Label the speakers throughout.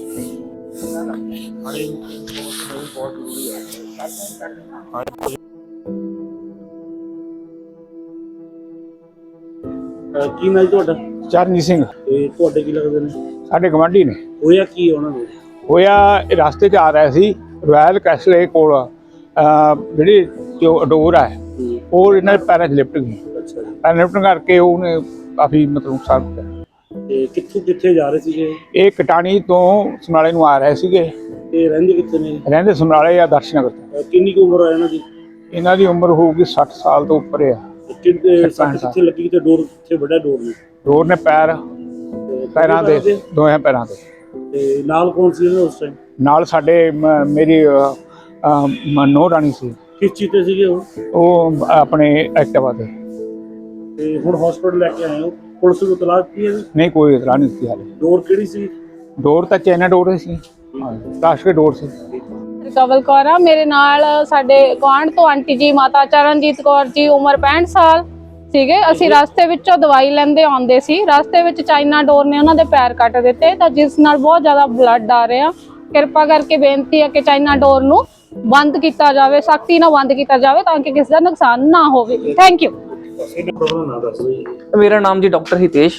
Speaker 1: ਕੀ ਨਾਂ ਜੀ ਤੁਹਾਡਾ?
Speaker 2: ਚਰਨਜੀਤ ਸਿੰਘ।
Speaker 1: ਤੇ ਤੁਹਾਡੇ ਕੀ ਲੱਗਦੇ ਨੇ?
Speaker 2: ਸਾਡੇ ਗਵਾਂਢੀ ਨੇ।
Speaker 1: ਹੋਇਆ ਕੀ ਉਹਨਾਂ ਨੂੰ?
Speaker 2: ਹੋਇਆ ਇਹ ਰਸਤੇ 'ਚ ਆ ਰਿਹਾ ਸੀ ਰੋਇਲ ਕੈਸਲੇ ਕੋਲ ਜਿਹੜੀ ਡੋਰ ਹੈ ਉਹ ਇਹਨਾਂ ਦੇ ਪੈਰਾਂ 'ਚ ਲਿਪਟ ਗਈ।
Speaker 1: ਅੱਛਾ ਜੀ।
Speaker 2: ਪੈਰ ਲਿਪਟਣ ਕਰਕੇ ਉਹਨੇ ਕਾਫੀ ਮਤਲਬ ਨੁਕਸਾਨ ਕੀਤਾ।
Speaker 1: ਤੇ ਕਿੱਥੇ ਜਾ ਰਹੇ ਸੀਗੇ?
Speaker 2: ਇਹ ਕਟਾਣੀ ਤੋਂ ਸਮਰਾਲੇ ਨੂੰ ਆ ਰਹੇ ਸੀਗੇ।
Speaker 1: ਤੇ ਰਹਿੰਦੇ ਕਿੱਥੇ ਨੇ?
Speaker 2: ਰਹਿੰਦੇ ਸਮਰਾਲੇ ਜਾਂ ਦਰਸ਼ਨਗਰ।
Speaker 1: ਕਿੰਨੀ ਕੁ ਉਮਰ ਆ ਇਹਨਾਂ ਦੀ?
Speaker 2: ਇਹਨਾਂ ਦੀ ਉਮਰ ਹੋਊਗੀ 60 ਸਾਲ ਤੋਂ ਉੱਪਰ ਆ।
Speaker 1: ਕਿੱਥੇ ਲੱਗੀ ਤੇ ਡੋਰ ਕਿੱਥੇ ਵੱਡਾ ਡੋਰ ਨੇ?
Speaker 2: ਡੋਰ ਨੇ ਪੈਰਾਂ ਦੇ ਦੋਹਾਂ ਪੈਰਾਂ ਤੇ।
Speaker 1: ਤੇ ਨਾਲ ਕੌਣ ਸੀ ਇਹਨਾਂ ਉਸ ਟਾਈਮ?
Speaker 2: ਨਾਲ ਸਾਡੇ ਮੇਰੀ ਨੋ ਰਾਣੀ ਸੀ।
Speaker 1: ਕਿਸ ਚੀਜ਼ ਤੇ ਸੀਗੇ
Speaker 2: ਉਹ ਆਪਣੇ ਐਕਟਿਵਾ ਤੇ।
Speaker 1: ਤੇ ਹੁਣ ਹਸਪੀਟਲ ਲੈ ਕੇ ਆਏ ਹੋ? ਪੁਲਿਸ ਨੂੰ ਇਤਲਾਹ ਦਿੱਤੀ ਹੈ?
Speaker 2: ਨਹੀਂ, ਕੋਈ ਇਤਲਾਹ ਨਹੀਂ ਦਿੱਤੀ ਹਾਲੇ।
Speaker 1: ਡੋਰ ਕਿਹੜੀ ਸੀ?
Speaker 2: ਡੋਰ ਤਾਂ ਚਾਈਨਾ ਡੋਰ ਸੀ। ਪਲਾਸਟਿਕ ਡੋਰ ਸੀ।
Speaker 3: ਕਵਲ ਕੌਰ ਆ ਮੇਰੇ ਨਾਲ। ਸਾਡੇ ਗੁਆਂਢ ਤੋਂ ਆਂਟੀ ਜੀ ਮਾਤਾ ਚਰਨਜੀਤ ਕੌਰ ਜੀ, ਉਮਰ 65 ਸਾਲ ਸੀਗੇ। ਅਸੀਂ ਰਸਤੇ ਵਿੱਚੋਂ ਦਵਾਈ ਲੈਂਦੇ ਆਉਂਦੇ ਸੀ। ਰਸਤੇ ਵਿੱਚ ਚਾਈਨਾ ਡੋਰ ਨੇ ਉਹਨਾਂ ਦੇ ਪੈਰ ਕੱਟ ਦਿੱਤੇ, ਤਾਂ ਜਿਸ ਨਾਲ ਬਹੁਤ ਜ਼ਿਆਦਾ ਬਲੱਡ ਆ ਰਿਹਾ। ਕਿਰਪਾ ਕਰਕੇ ਬੇਨਤੀ ਹੈ ਕਿ ਚਾਈਨਾ ਡੋਰ ਨੂੰ ਬੰਦ ਕੀਤਾ ਜਾਵੇ, ਸਖਤੀ ਨਾਲ ਬੰਦ ਕੀਤਾ ਜਾਵੇ ਤਾਂ ਕਿ ਕਿਸੇ ਦਾ ਨੁਕਸਾਨ ਨਾ ਹੋਵੇ। Thank you.
Speaker 4: मेरा नाम जी डॉक्टर हितेश।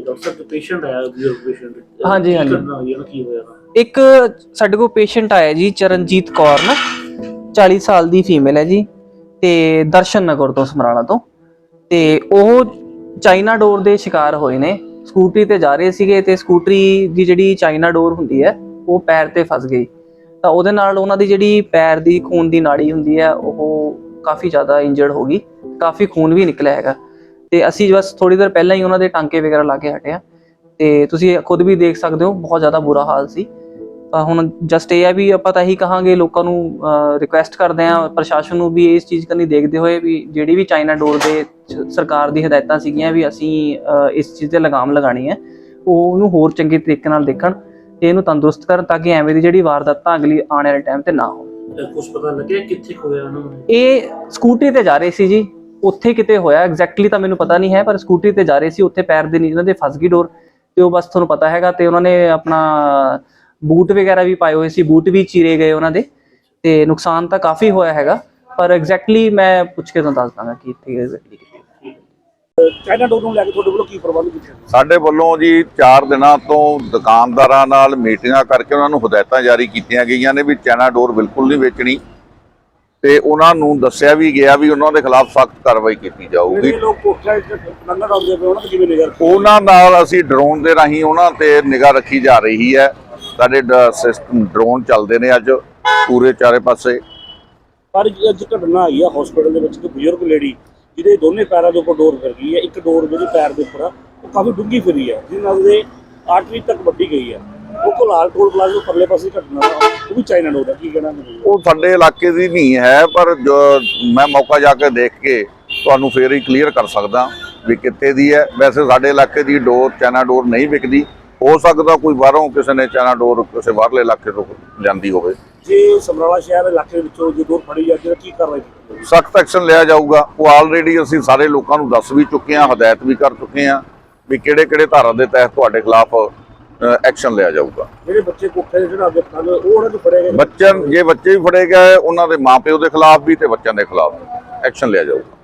Speaker 1: ਹਾਂਜੀ
Speaker 4: एक ਸਾਡੇ ਕੋਲ ਪੇਸ਼ੈਂਟ ਆਇਆ ਜੀ ਚਰਨਜੀਤ ਕੌਰ ਨਾ 40 ਸਾਲ ਦੀ ਫੀਮੇਲ ਹੈ ਜੀ ਤੇ ਦਰਸ਼ਨ ਨਗਰ ਤੋਂ ਸਮਰਾਲਾ ਤੋਂ। ਤੇ ਉਹ ਚਾਈਨਾ ਡੋਰ ਦੇ ਸ਼ਿਕਾਰ ਹੋਏ ਨੇ। ਸਕੂਟਰੀ ਤੇ ਜਾ ਰਹੇ ਸੀਗੇ ਤੇ ਸਕੂਟਰੀ ਦੀ ਜਿਹੜੀ ਚਾਈਨਾ ਡੋਰ ਹੁੰਦੀ ਹੈ ਉਹ ਪੈਰ ਤੇ ਫਸ ਗਈ, ਤਾਂ ਉਹਦੇ ਨਾਲ ਉਹਨਾਂ ਦੀ ਜਿਹੜੀ ਪੈਰ ਦੀ ਖੂਨ ਦੀ ਨਾੜੀ ਹੁੰਦੀ ਹੈ ਉਹ ਕਾਫੀ ਜ਼ਿਆਦਾ ਇੰਜਰਡ ਹੋ ਗਈ। ਕਾਫੀ ਖੂਨ ਵੀ ਨਿਕਲਿਆ ਹੈਗਾ ਤੇ ਅਸੀਂ ਬਸ ਥੋੜੀ ਦੇਰ ਪਹਿਲਾਂ ਹੀ ਉਹਨਾਂ ਦੇ ਟਾਂਕੇ ਵਗੈਰਾ ਲਾ ਕੇ ਹਟਿਆ। ਤੇ ਤੁਸੀਂ ਖੁਦ ਵੀ ਦੇਖ ਸਕਦੇ ਹੋ ਬਹੁਤ ਜ਼ਿਆਦਾ ਬੁਰਾ ਹਾਲ ਸੀ। ਹੁਣ ਜਸਟ ਇਹ ਹੈ ਵੀ ਆਪਾਂ ਤਾਂ ਇਹੀ ਕਹਾਂਗੇ, ਲੋਕਾਂ ਨੂੰ ਰਿਕੁਐਸਟ ਕਰਦੇ ਹਾਂ, ਪ੍ਰਸ਼ਾਸਨ ਨੂੰ ਵੀ ਇਸ ਚੀਜ਼ ਕਰਨੀ ਦੇਖਦੇ ਹੋਏ ਵੀ ਜਿਹੜੀ ਵੀ ਚਾਈਨਾ ਡੋਰ ਦੇ ਸਰਕਾਰ ਦੀ ਹਦਾਇਤਾਂ ਸੀਗੀਆਂ ਵੀ ਅਸੀਂ ਇਸ ਚੀਜ਼ ਤੇ ਲਗਾਮ ਲਗਾਣੀ ਹੈ, ਉਹ ਉਹਨੂੰ ਹੋਰ ਚੰਗੇ ਤਰੀਕੇ ਨਾਲ ਦੇਖਣ ਤੇ ਇਹਨੂੰ ਤੰਦਰੁਸਤ ਕਰਨ ਤਾਂ ਕਿ ਐਵੇਂ ਦੀ ਜਿਹੜੀ ਵਾਰਦਾਤਾਂ ਅਗਲੀ ਆਉਣ ਵਾਲੇ ਟਾਈਮ ਤੇ ਨਾ ਹੋਣ।
Speaker 1: ਕੁਝ ਪਤਾ ਲੱਗਿਆ ਕਿੱਥੇ ਹੋਇਆ ਉਹਨਾਂ ਨੂੰ?
Speaker 4: ਇਹ ਸਕੂਟਰੀ ਤੇ ਜਾ ਰਹੇ ਸੀ ਜੀ, ਉੱਥੇ ਕਿਤੇ ਹੋਇਆ ਐਗਜ਼ੈਕਟਲੀ ਤਾਂ ਮੈਨੂੰ ਪਤਾ ਨਹੀਂ ਹੈ, ਪਰ ਸਕੂਟਰੀ ਤੇ ਜਾ ਰਹੇ ਸੀ, ਉੱਥੇ ਪੈਰ ਦੇ ਨੀਚੇ ਉਹਨਾਂ ਦੇ ਫਸ ਗਈ ਡੋਰ ਤੇ ਉਹ ਬਸ ਤੁਹਾਨੂੰ ਪਤਾ ਹੈਗਾ। ਤੇ ਉਹਨਾਂ ਨੇ ਆਪਣਾ ਬੂਟ ਵਗੈਰਾ ਵੀ ਪਾਏ ਹੋਏ ਸੀ, ਬੂਟ ਵੀ ਚੀਰੇ ਗਏ ਉਹਨਾਂ ਦੇ ਤੇ ਨੁਕਸਾਨ ਤਾਂ ਕਾਫੀ ਹੋਇਆ ਹੈਗਾ, ਪਰ ਐਗਜ਼ੈਕਟਲੀ ਮੈਂ ਪੁੱਛ ਕੇ ਤੁਹਾਨੂੰ ਦੱਸ ਦਾਂਗਾ ਕਿ ਇੱਥੇ ਐਗਜ਼ੈਕਟਲੀ
Speaker 1: ਚਾਈਨਾ ਡੋਰ ਨੂੰ ਲੈ ਕੇ ਤੁਹਾਡੇ ਵੱਲੋਂ ਕੀ ਪ੍ਰਬੰਧ ਕੀਤੇ?
Speaker 5: ਸਾਡੇ ਵੱਲੋਂ ਜੀ 4 ਦਿਨਾਂ ਤੋਂ ਦੁਕਾਨਦਾਰਾਂ ਨਾਲ ਮੀਟਿੰਗਾਂ ਕਰਕੇ ਉਹਨਾਂ ਨੂੰ ਹਦਾਇਤਾਂ ਜਾਰੀ ਕੀਤੀਆਂ ਗਈਆਂ ਨੇ ਵੀ ਚਾਈਨਾ ਡੋਰ ਬਿਲਕੁਲ ਨਹੀਂ ਵੇਚਣੀ ਤੇ ਉਹਨਾਂ ਨੂੰ ਦੱਸਿਆ ਵੀ ਗਿਆ ਵੀ ਉਹਨਾਂ ਦੇ ਖਿਲਾਫ ਸਖਤ ਕਾਰਵਾਈ ਕੀਤੀ ਜਾਊਗੀ। ਉਹਨਾਂ ਨਾਲ ਅਸੀਂ ਡਰੋਨ ਦੇ ਰਾਹੀਂ ਉਹਨਾਂ ਤੇ ਨਿਗਾਹ ਰੱਖੀ ਜਾ ਰਹੀ ਹੈ। ਸਾਡੇ ਸਿਸਟਮ ਡਰੋਨ ਚੱਲਦੇ ਨੇ ਅੱਜ ਪੂਰੇ ਚਾਰੇ ਪਾਸੇ।
Speaker 1: ਪਰ ਅੱਜ ਘਟਨਾ ਆਈ ਆ ਹਸਪੀਟਲ ਦੇ ਵਿੱਚ ਕਿ ਬਜ਼ੁਰਗ ਲੇਡੀ ਜਿਹਦੇ ਦੋਨੇ ਪੈਰਾਂ ਦੇ ਉੱਪਰ ਡੋਰ ਫਿਰ ਗਈ ਹੈ। ਇੱਕ ਡੋਰ ਜਿਹੜੀ ਪੈਰ ਦੇ ਉੱਪਰ ਆ ਉਹ ਕਾਫੀ ਡੂੰਘੀ ਫਿਰੀ ਹੈ, ਜਿਹਦੇ ਨਾਲ ਉਹਦੇ ਆਰਟਰੀ ਤੱਕ ਵੱਢੀ ਗਈ ਹੈ। ਉਹ ਕੋਲਾਲ ਟੋਲ ਪਲਾਜ਼ਾ ਪਰਲੇ ਪਾਸੇ ਘਟਨਾ ਉਹ ਵੀ ਚਾਈਨਾ ਡੋਰ ਹੈ। ਕੀ ਕਹਿਣਾ?
Speaker 5: ਉਹ ਸਾਡੇ ਇਲਾਕੇ ਦੀ ਨਹੀਂ ਹੈ, ਪਰ ਮੈਂ ਮੌਕਾ ਜਾ ਕੇ ਦੇਖ ਕੇ ਤੁਹਾਨੂੰ ਫੇਰ ਹੀ ਕਲੀਅਰ ਕਰ ਸਕਦਾ ਵੀ ਕਿੱਥੇ ਦੀ ਹੈ। ਵੈਸੇ ਸਾਡੇ ਇਲਾਕੇ ਦੀ ਡੋਰ ਚਾਈਨਾ ਡੋਰ ਨਹੀਂ ਵਿਕਦੀ। ਹੋ ਸਕਦਾ ਕੋਈ ਬਾਹਰੋਂ ਕਿਸੇ ਨੇ ਚਾਈਨਾ ਡੋਰ ਕਿਸੇ ਬਾਹਰਲੇ ਇਲਾਕੇ ਤੋਂ ਜਾਂਦੀ ਹੋਵੇ।
Speaker 1: ਜੇ ਸਮਰਾਲਾ ਸ਼ਹਿਰ ਇਲਾਕੇ ਵਿੱਚੋਂ ਜੇ ਡੋਰ ਫੜੀ ਜਾਂਦੀ ਹੈ ਕੀ ਕਾਰਵਾਈ ਕੀਤੀ?
Speaker 5: ਸਖਤ ਐਕਸ਼ਨ ਲਿਆ ਜਾਊਗਾ। ਉਹ ਆਲਰੇਡੀ ਅਸੀਂ ਸਾਰੇ ਲੋਕਾਂ ਨੂੰ ਦੱਸ ਵੀ ਚੁੱਕੇ ਹਾਂ, ਹਦਾਇਤ ਵੀ ਕਰ ਚੁੱਕੇ ਹਾਂ ਵੀ ਕਿਹੜੇ ਧਾਰਾ ਦੇ ਤਹਿਤ ਤੁਹਾਡੇ ਖਿਲਾਫ ਐਕਸ਼ਨ ਲਿਆ ਜਾਊਗਾ।
Speaker 1: ਜਿਹੜੇ ਬੱਚੇ ਕੋਠੇ ਦੇ ਚੜ੍ਹਾ ਕੇ ਉਹ ਉਹਨਾਂ ਨੂੰ ਫੜੇ ਗਏ
Speaker 5: ਬੱਚੇ ਵੀ ਫੜੇ ਗਏ, ਉਹਨਾਂ ਦੇ ਮਾਪਿਓ ਦੇ ਖਿਲਾਫ ਵੀ ਤੇ ਬੱਚਿਆਂ ਦੇ ਖਿਲਾਫ ਐਕਸ਼ਨ ਲਿਆ ਜਾਊਗਾ।